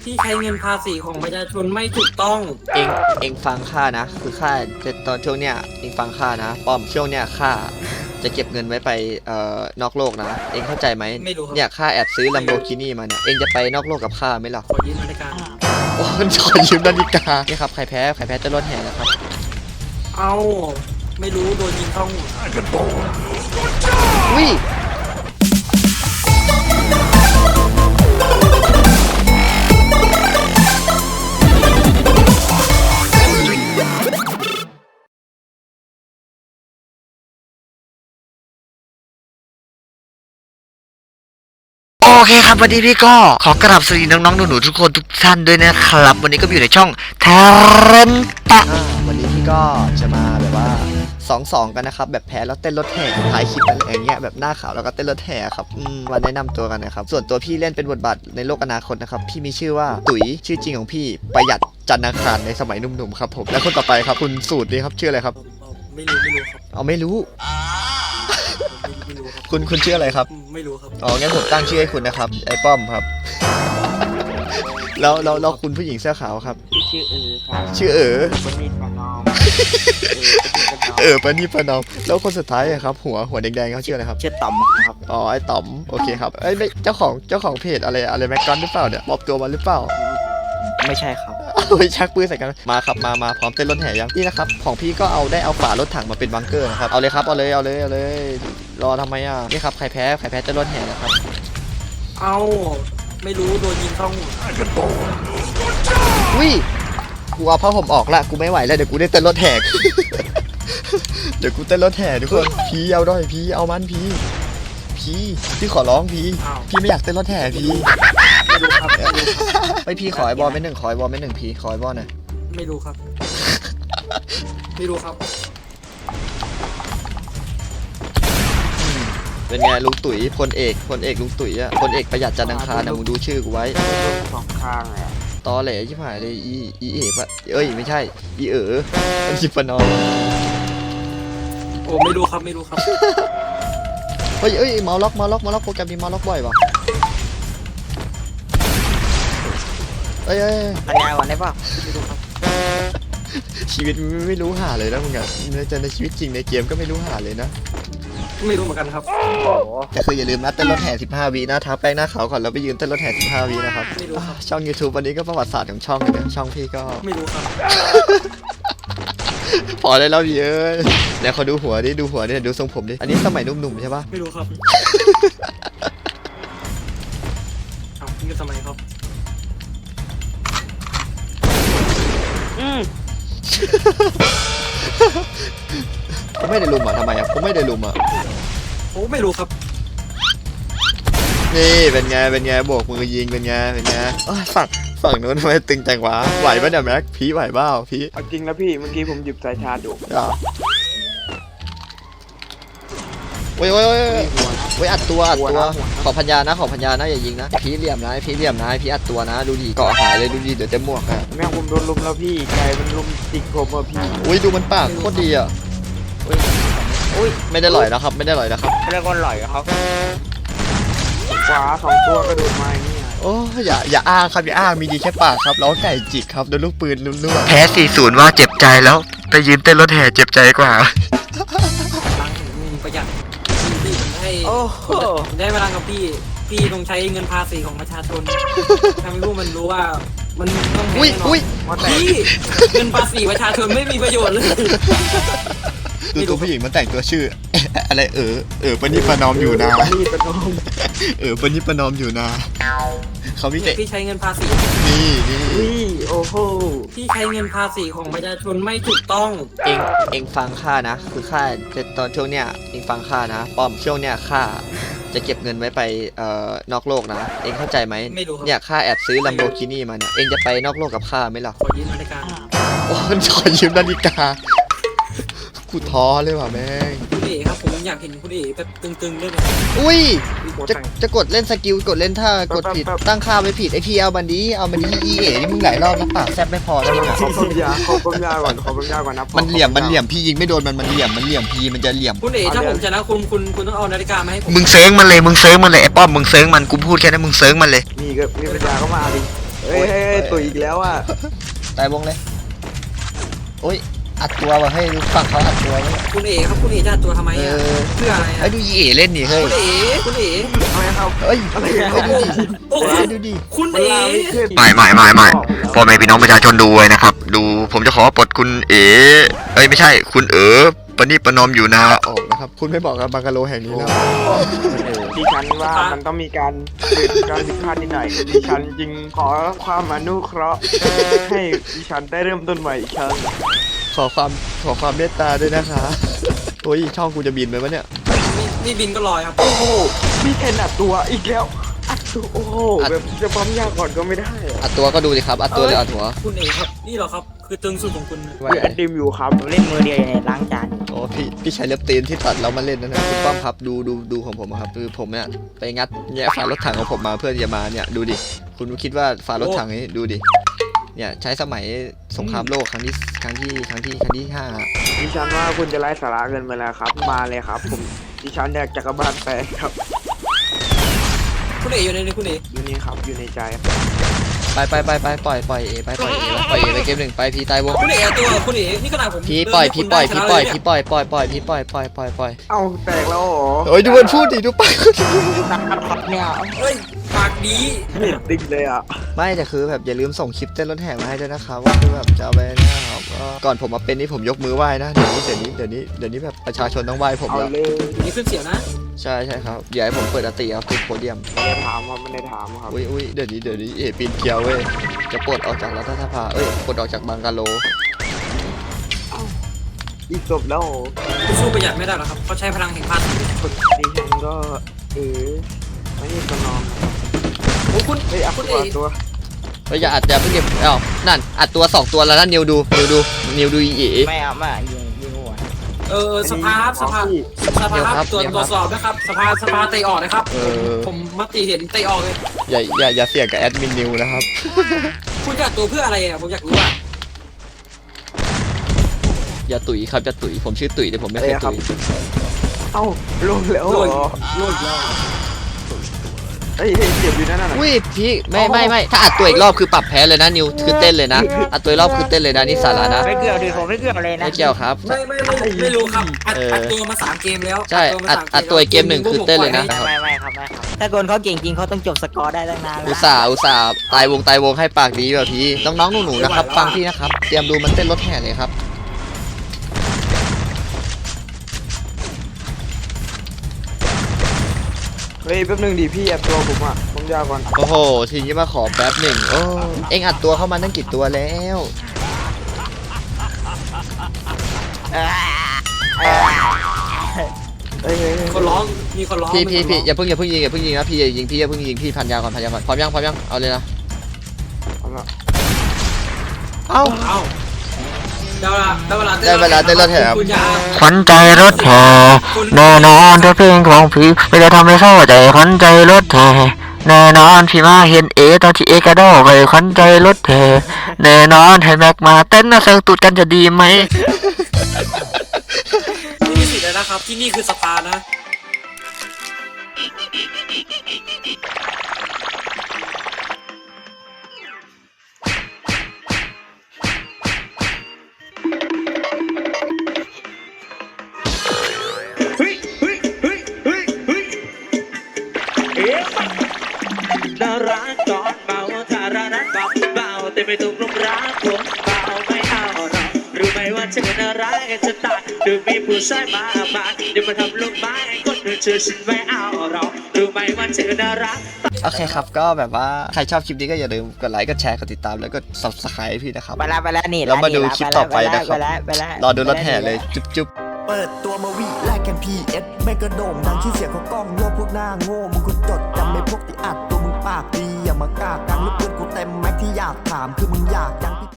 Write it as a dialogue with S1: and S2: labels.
S1: ที่ใช้เงินภาษีของประชาชนไม่ถูกต้อง
S2: เองเองฟังข้านะคือข้าจะตอนช่วงเนี้ยเองฟังข้านะป้อมช่วงเนี้ยข้าจะเก็บเงินไว้ไปนอกโลกนะเองเข้าใจไหม
S1: ไม่รู้ครับ
S2: เนี่ยข้าแอบซื้อ Lamborghini มาเนี่ยเองจะไปนอกโลกกับข้าไหมล่ะ
S1: ขอยืมนาฬิกา
S2: โอ้ยขอยืมนาฬิกานี่ครับใครแพ้จะรถแห่นะครับ
S1: เอาไม่รู้โดนยิงเข้าหัว
S2: วิโอเคครับวันนี้พี่ก็ขอกราบสวัสดีน้องๆหนูๆทุกคนทุกท่านด้วยนะครับวันนี้ก็อยู่ในช่องเทเรนตะวันนี้พี่ก็จะมาแบบว่า2-2กันนะครับแบบแพ้แล้วเต้นรถแห่ท้ายคลิปอะไรอย่างเงี้ยแบบหน้าขาวแล้วก็เต้นรถแห่ครับมาแนะนำตัวกันนะครับส่วนตัวพี่เล่นเป็นบทบาทในโลกอนาคตนะครับพี่มีชื่อว่าตุ๋ยชื่อจริงของพี่ประหยัดจันทร์อังคารในสมัยหนุ่มๆครับผมและคนต่อไปครับคุณสูตรนี่ครับชื่ออะไรครับ
S1: ไม่รู้ครับ
S2: เอาไม่รู้
S1: ไม่รู้ครับ
S2: คุณชื่ออะไรครับ
S1: ไม่รู้ครับ
S2: อ๋องั้นผมตั้งชื่อให้คุณนะครับไอ้ป้อมครับแล้วคุณผู้หญิงเสื้อขาวครับ
S3: ชื่อครับ
S2: ชื่อ
S3: ปนิดปนอม
S2: ปนี่ประนอมแล้วคนสุดท้ายอะครับหัวแดงๆเขาชื่ออะไรครับ
S3: ชื่อต่อมครับ
S2: อ๋อไอ้ต๋อมโอเคครับไอ้ไม่เจ้าของเพจอะไรแม็กกอนหรือเปล่าเนี่ยมอบตัวมาหรือเปล่า
S3: ไม่ใช่ครับ
S2: ไปชักปืนใส่กันมาครับมาพร้อมเต้นรถแห่ยังนี่นะครับของพี่ก็เอาฝารถถังมาเป็นบังเกอร์นะครับเอาเลยครับเอาเลยรอทำไมอ่ะนี่ครับใครแพ้เต้นรถแห่นะครับ
S1: เอาไม่รู้โดนยิงเข้าหัว
S2: วิกูเอาผ้าห่มออกละกูไม่ไหวแล้วเดี๋ยวกูได้เต้นรถแห่เดี๋ยวกูเต้นรถแห่ทุกคนพีเอาด้วยพีเอามันพีพี่ขอร้องพี่ไม่อยากเต้นรถแห่พี่
S1: ไม่รู้ครับ
S2: ไม่พี่ขอไอ้บอลไม่หนึ่งขอไอ้บอลไม่หนึ่งพี่ขอไอ้บอลหน่อย
S1: ไม่รู้ครับไม่รู้ครับ
S2: เป็นไงลุงตุ๋ยพลเอกลุงตุ๋ยอะพลเอกประหยัดจันทร์อังคารนะมึงดูชื่อกูไว้
S3: สองข้างเลย
S2: ตอแหลชิบหายเลยอีเอ๋ปะเอ้ยไม่ใช่อีมันชิปนอ
S1: โอ้ไม่รู้ครับ
S2: เฮ้ยเมาล็อกโปรแกรมมีเมาล็อกบ่อยวะเอ้ย
S3: ปัญญาวันได้ป่ะไม่รู้ครับ
S2: ชีวิตไม่รู้หาเลยนะมึงอะในชีวิตจริงในเกมก็ไม่รู้หาเลยนะ
S1: ไม่รู้เหมือนกันครับ
S2: แต่คืออย่าลืมนะเต้นรถแห่15 วินะทาแป้งหน้าขาวก่อนแล้วไปยืนเต้นรถแห่15 วินะครับ
S1: ไม่รู้ครับ
S2: ช่อง YouTube วันนี้ก็ประวัติศาสตร์ของช่องนะช่องพี่ก็
S1: ไม่รู้ครับ
S2: พอได้แล้วพี่เอ้ยเดี๋ยวขอดูหัวดิดูทรงผมดิอันนี้สมัยหนุ่มๆใช่ปะ
S1: ไม่รู้ครับเอานี่ก็สมัยครับ
S2: ผมไม่ได้ลุมอ่ะทำไมอ่ะผมไม่ได้ลุมอ่ะ
S1: โอ้ไม่รู้ครับ
S2: นี่เป็นไงโบกมือยิงเป็นไงฝั่งนู้นทำไมตึงจังวะไหวปะเนี่ยแม็กพี่ไหวเปล่าพี่
S3: เอาจริงนะพี่เมื่อกี้ผมหยิบสายชาร์จอยู่
S2: โอ้ยอัดตัวขอพัญญานะอย่ายิงนะพี่เหลี่ยมนะพี่อัดตัวนะดูดิเกาะหายเลยดูดิเดี๋ยวเต็มหมวกอ่ะ
S3: แม่งผมโดนลุมแล้วพี่ใจมันลุมจิกผมอ่ะพี่
S2: อุ้ยดูมันปากโคตรดีอ่ะอุ้ยไม่ได้หล่อยนะครับไม่ได้
S3: ก้อนหล่อยครับขวา2 ตัวกระโดดมาอย่างนี้
S2: โอ้อย่าอ้างครับอย่าอ้างมีดีแค่ปากครับแล้วไก่จิกครับโดนลูกปืนลุ่มๆแพ้40ว่าเจ็บใจแล้วไปยืนเต้นรถแห่เจ็บใจกว่า
S1: ประหยัดพี่ได้เวลากับพี่ต้องใช้เงินภาษีของประชาชนทำให้รู้มันรู้ว่ามันต้องแพ้แน่นอนพี่เงินภาษีประชาชนไม่มีประโยชน์เลย
S2: ดูตัวผู้หญิงมันแต่งตัวชื่ออะไรปนิประนอมอยู่นะปนิประนอมอยู่นะเขามีแต่
S1: พี่ใช้เงินภาษี
S2: นี่
S3: โอ้โห
S1: พี่ใช้เงินภาษีของประชาชนไม่ถูกต้อง
S2: เองฟังข้านะคือข้าตอนช่วงเนี้ยเองฟังข้านะป้อมช่วงเนี้ยข้าจะเก็บเงินไว้ไปนอกโลกนะเองเข้าใจไหมเนี่ยข้าแอบซื้อ Lamborghini มาเนี่ยเองจะไปนอกโลกกับข้าไหมล่ะ
S1: ขอยืมนาฬิกา
S2: โอ้ยขอยืมนาฬิกากูท้อเลยว่ะแม่ง
S1: คุณเอ๋ครับผมอยากเห็นคุณเอ๋แบบตึงๆด้วยนะ
S2: อุ้ยจะกดเล่นสกิลกดเล่นท่ากดผิดตั้งค่าไว้ผิดไอพี่เอามันดีอีเอ๋นี่มึงหลายรอบแล้วปากแซบไม่พอแล้วมึงอ่ะ
S3: ขอปัญญาก่อนนะ
S2: มันเหลี่ยมพี่ยิงไม่โดนมันเหลี่ยมพี่มันจะเหลี่ยม
S1: คุณเอ๋ถ้าผมชนะคุณต้องเอานาฬิกามาให้ผม
S2: มึงเซิร์งมันเลยไอ้ป้อมมึงเซิร์งมันกูพูดแค่นั้นมึงเซิร์งมันเลย
S3: มีปัญญาก็มาดิเฮ้ยตัวอีกแล้วอ่ะ
S2: ตายวงเลยโอ้ยอัดตัวว่ะให้ดูฝั่งเขาอัดตัวไว้
S1: คุณเอ๋ครับคุณเอ๋จะตัวทำไมอ่ะเพื่ออะไร
S2: ไอ้
S1: อ่ะ
S2: ดูยีเอเล่นดิเฮ้ย
S1: คุณเอ๋
S3: ทำไมครับ
S2: เฮ้ย
S3: อะไร
S2: ไอ้ดูดิ
S1: โอ้โห
S2: ไอ้ดูดิ
S1: คุณเอ๋
S2: ไม่พ่อแม่พี่น้องประชาชนดูไว้นะครับดูผมจะขอปลดคุณเอ๋เอ้ยไม่ใช่คุณปณิประนอมอยู่นะออกนะครับคุณไม่บอกกับบังกะโลแห่งนี้แล้ว
S3: ดิฉันว่ามันต้องมีการเกิดการผิดพลาดนิดหน่อยดิฉันจึงขอความอนุเคราะห์ให้ดิฉันได้เริ่มต้นใหม่อีกครั้ง
S2: ขอความเมตตาด้วยนะคะโอ้ยช่องกูจะบินไหมวะเนี่ย
S1: นี่บินก็ลอยครับ
S3: โอ้โหพี่เทนอัดตัวอีกแล้วอัดตัวโอ้โหแบบจะปั๊มยาก่อนก็ไม่ได้อะ
S2: อัดตัวก็ดูดิครับอัดตัวเลยอัดหัว
S1: คุณเอ๋ครับนี่เหรอครับคือตึงสุดของคุณ
S3: คือแอดดิมอยู่ครับ
S4: เล่นมือเดียวอยู่ในล้างจาน
S2: โอ้พี่ใช้เล็บตีนที่ตัดแล้วมาเล่นนั่นนะคุณป้อมครับดูของผมอะครับคือผมเนี่ยไปงัดเนี่ยฝารถถังของผมมาเพื่อจะมาเนี่ยดูดิคุณคิดว่าฝารถถังนี้ดูดิเนี่ยใช้สมัยสงครามโลกครั้งที่ห้า
S3: ดิฉันว่าคุณจะไล่สาระเกินไปแล้วครับมาเลยครับผมดิฉันอยากจักรบาลแตกครับ
S1: คุณเอ๋อยู่ในนี้คุณเอ๋
S3: อยู่นี่ครับอยู่ในใจ
S2: ไปปล่อยเอไปเกมหนึ่งไปพี่ตายวง
S1: คุณเอ๋ตัวคุณเอ๋นี่ขนาดผม
S2: พี่ปล่อย
S3: เอ้าแตกแล้วเหรอ
S2: โอ้ยดูมันพูดดิดูไป
S4: เนี่ย
S1: เฮ้ยปากดี
S3: เห็นติ๊กเลยอ่ะ
S2: ไม่แต่คือแบบอย่าลืมส่งคลิปเต้นรถแห่มาให้ด้วยนะครับว่าคือแบบจะเอาไปนะครับก็ก่อนผมมาเป็นนี่ผมยกมือไหว้นะเดี๋ยวนี้แบบประชาชนต้องไหว้ผม
S3: เอา
S2: แล้ว
S3: เลย
S1: นี่ขึ้นเสียงนะ
S2: ใช่ครับอย่าให้ผมเปิดอติครับติดโพเดียม
S3: ไม่ได้ถามครับไม่ได้ถามครับ
S2: อุ้ยเดี๋ยวนี้เอปีนเกลียวเว้ยจะปลดออกจากรัฐสภาปลดออกจากบังกาโล
S3: อีกจบแล้วเหรอ
S1: คุณสู้ประหยัดไม่ได้หรอกครับเขาใช้พลังแห่งภาษี
S3: ดิฉันก็ไม่ได้ประนอม
S1: โอ้คุณ
S3: เฮ้ยอัพ
S1: คุณ
S3: ตัว
S1: เอ๋
S3: ตัว
S2: อย่าอัดอย่าเพิ่งเก็บนั่นอัดตัว2ตัวแล้วนะนิวดูอีเอ
S4: ไม่เอามายิงหัว
S1: สภาครับสภาครับตรวจสอบนะครับสภาเตะออกนะครับผมมติเห็นเตะออกเลย
S2: อย่าเสี่ยงกับแอดมินนิวนะครับ
S1: คุณจะตัวเพื่ออะไรอ่ะผมอยากรู้อ่ะ
S2: อย่าตุ๋ยครับอย่าตุ๋ยผมชื่อตุ๋ยแต่ผมไม่เคยตุ๋ย
S3: เอ้าลงแล้วเหรอ
S1: โลดแล้ว
S3: เฮ้ยเจ็บอยู่นั่นน่ะ
S2: อุ้ยพี่ไม่ถ้าอัดตัวอีกรอบคือปรับแพ้เลยนะนิวคือเต้นเลยนะอัดตัวอีกรอบคือเต้นเลยนะนี่สาระนะ
S4: ไม่เกี่ยวดิผมไม่เกี่ยวเลยนะ
S2: ไม่เกี่ยวครับ
S1: ไม่รู้ครับอัดตัวมา3 เกมแล้ว
S2: ใช่อัดตัวอีกเกมหนึ่งคือเต้นเลยนะ
S4: ไม่ครับถ้าคนเขาเก่งจริงเขาต้องจบสกอร์ได้ตั้งนาน
S2: อุตส่าห์ตายวงให้ปากดีแบบพี่น้องๆหนูๆนะครับฟังพี่นะครับเตรียมดูมันเต้นรถแห่เลยครับ
S3: เฮ้ยแป๊บนึงดิพี่อัดตัวผมอ่ะผมยาวก่อน
S2: โอ้โหทีนี้มาขอแป๊บหนึ่งโอ้เอ็งอัดตัวเข้ามาตั้งกี่ตัวแล้ว
S3: เฮ้ย
S1: คนร้องมีคนร้อง
S2: พี่อย่าเพิ่งยิงนะพี่อย่ายิงพี่พันยาก่อนพร้อมยังเอาเลยนะ
S3: เอาละ
S2: เอ้า
S1: ได้เวลาเต้นรถแห่
S2: ขวัญใจรถแห่แน่นอนถ้าเพลงของพี่ไม่ได้ทำให้เข้าใจขวัญใจรถแห่แน่นอนพี่มาเห็นตอนที่กระโดดไปขวัญใจรถแห่แน่นอนให้แม็กมาเต้นนะเซิร์ฟตูดกันจะดีไหม
S1: นี่มีสิทธิ์แล้วนะครับที่นี่คือสภานะ
S5: น่ารักก่อนเมาถ้ารักเบาแต่ไม่ถูกลงรักผมเบาไม่เอาเรารู้ไหมว่าเธอน่ารักจะตายดูมีผู้ชายมากมายเดี๋ยวมาทำลูกไม้คนอื่นเชื่อฉันไม่เอาเรารู้ไหมว่าเธอน่ารัก
S2: โอเคครับก็แบบว่าใครชอบคลิปนี้ก็อย่าลืมกดไลค์กดแชร์กดติดตามแล้วก็ subscribe พี่นะครับ
S4: ไปแล้วนี่
S2: แล้วมาดูคลิปต่อไปนะครับ
S4: ไปแล้ว
S2: รอดูรถแห่เลยจุ๊บ
S6: เปิดตัวมาวิแลกกัน PS ไม่กระโด่งดังที่เสียงเขากล้องโลกพวกหน้าโง่มึงคุณจดจำไม่พวกที่อัดตัวมึงปากดีอย่ามากล้ากังหรือเพื่อนกูเต็มแม็กที่อยากถามคือมึงอยากยัง